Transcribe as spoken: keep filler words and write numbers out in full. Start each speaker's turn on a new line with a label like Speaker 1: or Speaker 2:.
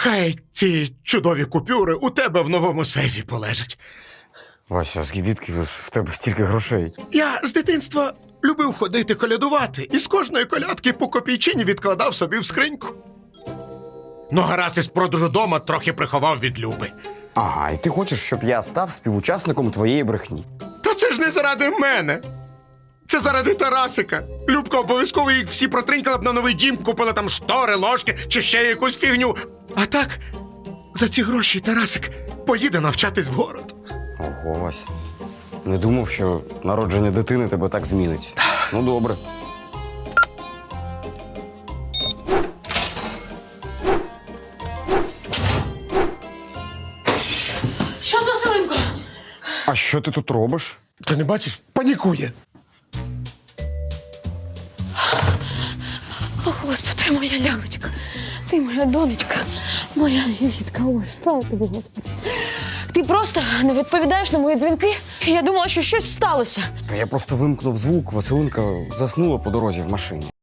Speaker 1: Хай ці чудові купюри у тебе в новому сейфі полежать.
Speaker 2: Вася, звідки в тебе стільки грошей?
Speaker 1: Я з дитинства любив ходити колядувати і з кожної колядки по копійчині відкладав собі в скриньку. Ну, гаразд із продажу дома трохи приховав від Люби.
Speaker 2: Ага, і ти хочеш, щоб я став співучасником твоєї брехні?
Speaker 1: Та це ж не заради мене. Це заради Тарасика. Любка обов'язково їх всі протринькала б на новий дім, купила там штори, ложки чи ще якусь фігню. А так, за ці гроші Тарасик поїде навчатись в город.
Speaker 2: Ого, Вася. Не думав, що народження дитини тебе так змінить. Ну, добре.
Speaker 3: Що з Василинко?
Speaker 2: А що ти тут робиш?
Speaker 1: Ти не бачиш? Панікує.
Speaker 3: О, Господи, моя лялечка, ти моя донечка, моя гітка. Ой, слава тобі, Господи. Ти просто не відповідаєш на мої дзвінки. Я думала, що щось сталося.
Speaker 2: Та я просто вимкнув звук, Василинка заснула по дорозі в машині.